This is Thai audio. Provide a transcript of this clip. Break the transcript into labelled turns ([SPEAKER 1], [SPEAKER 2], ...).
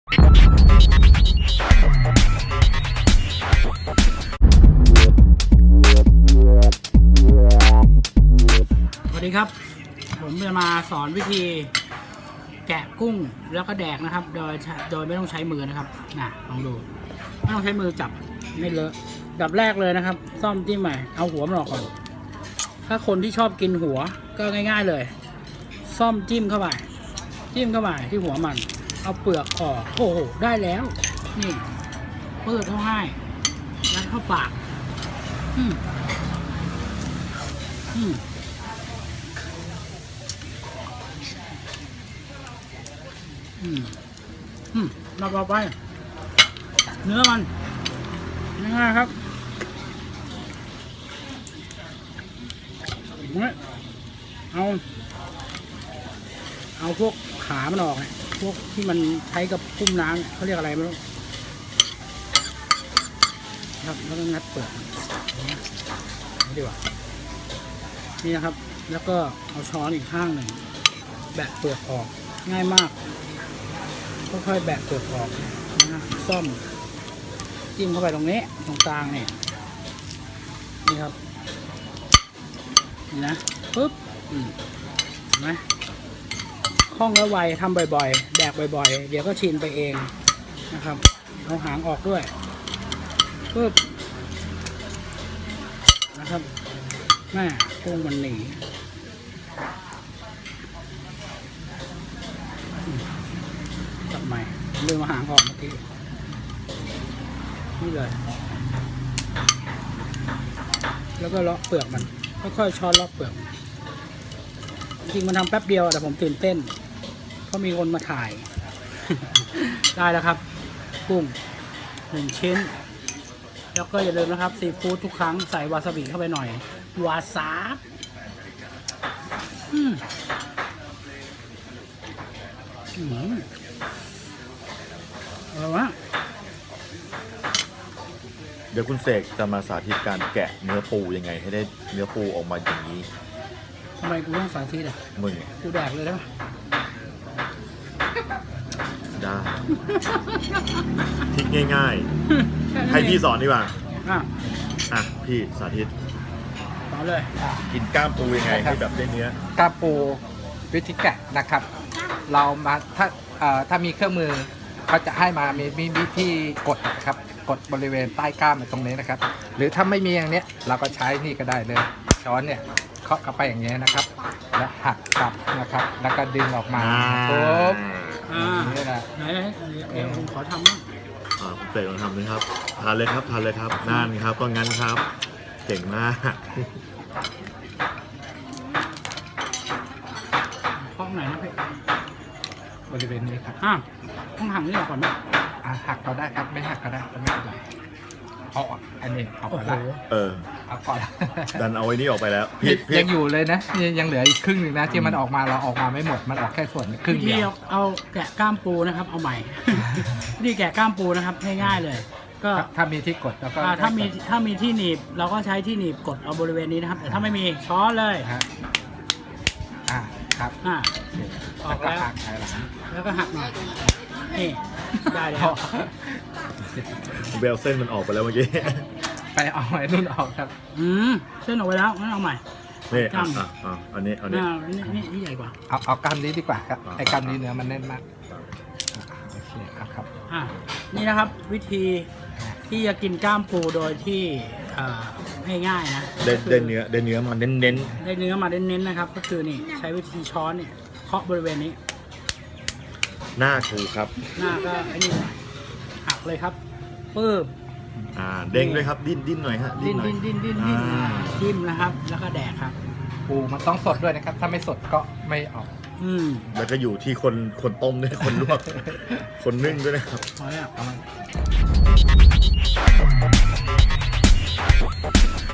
[SPEAKER 1] สวัสดีครับผมจะมาสอนวิธีแกะกุ้งแล้วก็แดกนะครับโดยไม่ต้องใช้มือนะครับลองดูไม่ต้องใช้มือจับไม่เลอะดับแรกเลยนะครับซ่อมจิ้มใหม่เอาหัวมันออกก่อนถ้าคนที่ชอบกินหัวก็ง่ายๆเลยซ่อมจิ้มเข้าไปที่หัวมันเอาเปลือกออกโอ้โหได้แล้วนี่เปิดเข้าให้ยัดเข้าปากเราไปเนื้อมันง่ายๆครับเอาพวกขามันออกเนี่ยพวกที่มันใช้กับพุ่มน้ำเขาเรียกอะไรไม่รู้ครับแล้วก็งัดเปลือกนี่ดีกว่านี่นะครับแล้วก็เอาช้อนอีกข้างหนึ่งแบะเปลือกออกง่ายมากค่อยๆแบะเปลือกออกนะซ่อมจิ้มเข้าไปตรงนี้ตรงกลางนี่ครับนี่นะปึ๊บเห็นไหมคล่องและไวทำบ่อยๆแดกบ่อยๆเดี๋ยวก็ชินไปเองนะครับเอาหางออกด้วยปึ๊บนะครับแม่กุ้งมันหนีจับใหม่ลืมเอาหางออกเมื่อกี้นี่เลยแล้วก็เลาะเปลือกมันค่อยๆช้อนเลาะเปลือกจริงมันทำแป๊บเดียวแต่ผมตื่นเต้นเพราะมีคนมาถ่าย ได้แล้วครับกุ้ง1 ชิ้นแล้วก็อย่าลืมนะครับซีฟู้ดทุกครั้งใส่วาซาบิเข้าไปหน่อยวาซาบอะไรวะ
[SPEAKER 2] เดี๋ยวคุณเสกจะมาสาธิตการแกะเนื้อปูยังไงให้ได้เนื้อปูออกมาอย่างนี้
[SPEAKER 1] ทำไมกูต้องสาธิตอ่ะ
[SPEAKER 2] มึง
[SPEAKER 1] กูแดกเลยได้ไหม
[SPEAKER 2] ได้ทิกง่ายๆให้พี่สอนดีกว่าพี่สาธิต
[SPEAKER 1] สอนเลย
[SPEAKER 2] กินกล้ามปูยังไงให้แบบได้เนื้
[SPEAKER 3] อกล้ามปูวิธีแกะนะครับเรามาถ้ามีเครื่องมือเขาจะให้มามีวิธีกดนะครับกดบริเวณใต้กล้ามตรงนี้นะครับหรือถ้าไม่มีอย่างนี้เราก็ใช้นี่ก็ได้เลยช้อนเนี่ยเคาะเข้าไปอย่างนี้นะครับแล้วหักกลับนะครับแล้วก็ดึงออกมาปุ๊บนี่แหละ
[SPEAKER 1] ไหนผมขอทำบ้าง
[SPEAKER 2] คุณเสกลองทำเลยครับทานเลยครับนั่นครับก็งั้นครับเก่งมาก
[SPEAKER 1] เคาะไหนนะพี่
[SPEAKER 3] บริเวณนี้ครับ
[SPEAKER 1] ต้องหักนี่ออกก่อนไหม
[SPEAKER 3] หักก็ได้ครับไม่หักก็ได้ไม่เป็นไรเอาออกอันนี้เอาไปแล้วเอาก่อน
[SPEAKER 2] ดันเอาไว้นี่ออกไปแล้ว
[SPEAKER 3] ยังอยู่เลยนะยังเหลืออีกครึ่งหนึ่งนะที่มันออกมาเราออกมาไม่หมดมันออกแค่ส่วนครึ่งเดียว
[SPEAKER 1] เอาแกะกล้ามปูนะครับเอาใหม่นี่แกะกล้ามปูนะครับง่ายๆเลยก็
[SPEAKER 3] ถ้ามีที่กดแล้วก็
[SPEAKER 1] ถ้ามีที่หนีบเราก็ใช้ที่หนีบกดเอาบริเวณนี้นะครับแต่ถ้าไม่มีช้อนเลย
[SPEAKER 3] ครับ
[SPEAKER 1] ออกแล้วแล้วก็หักหน่อยนี่ได้แล้ว
[SPEAKER 2] เบลเส้นมันออกไปแล้วเมื่อกี้
[SPEAKER 3] ไปเอาไอ้นุ่นออกครับ
[SPEAKER 1] เส้นออกไปแล้วงั้นเอาใหม่
[SPEAKER 2] นี่อันนี้
[SPEAKER 1] นี่ใหญ่กว่า
[SPEAKER 3] เอากล้ามนี้ดีกว่าครับไอ้กล้ามนี้เนื้อมันแน่นมากโอเคครับ
[SPEAKER 1] นี่นะครับวิธีที่จะกินกล้ามปูโดยที่ง่ายๆนะ
[SPEAKER 2] ได้เนื้อมาเน้น
[SPEAKER 1] ได้เนื้อมาเน้นๆนะครับก็คือนี่ใช้วิธีช้อนเนี่ยเคาะบริเวณนี้
[SPEAKER 2] หน้าถูครับ
[SPEAKER 1] หน้าก็ไอ้นี่หักเลยครับปึ๊บ
[SPEAKER 2] เด้งด้วยครับดิ้นหน่อยฮะ
[SPEAKER 1] ดิ้นจิ้มนะครับแล้วก็แดกครับ
[SPEAKER 3] ปูมันต้องสดด้วยนะครับถ้าไม่สดก็ไม่ออก
[SPEAKER 2] แล้วก็อยู่ที่คนต้มด้วยคนลวกคนนึ่งด้วยนะครับ
[SPEAKER 1] พอแล้ว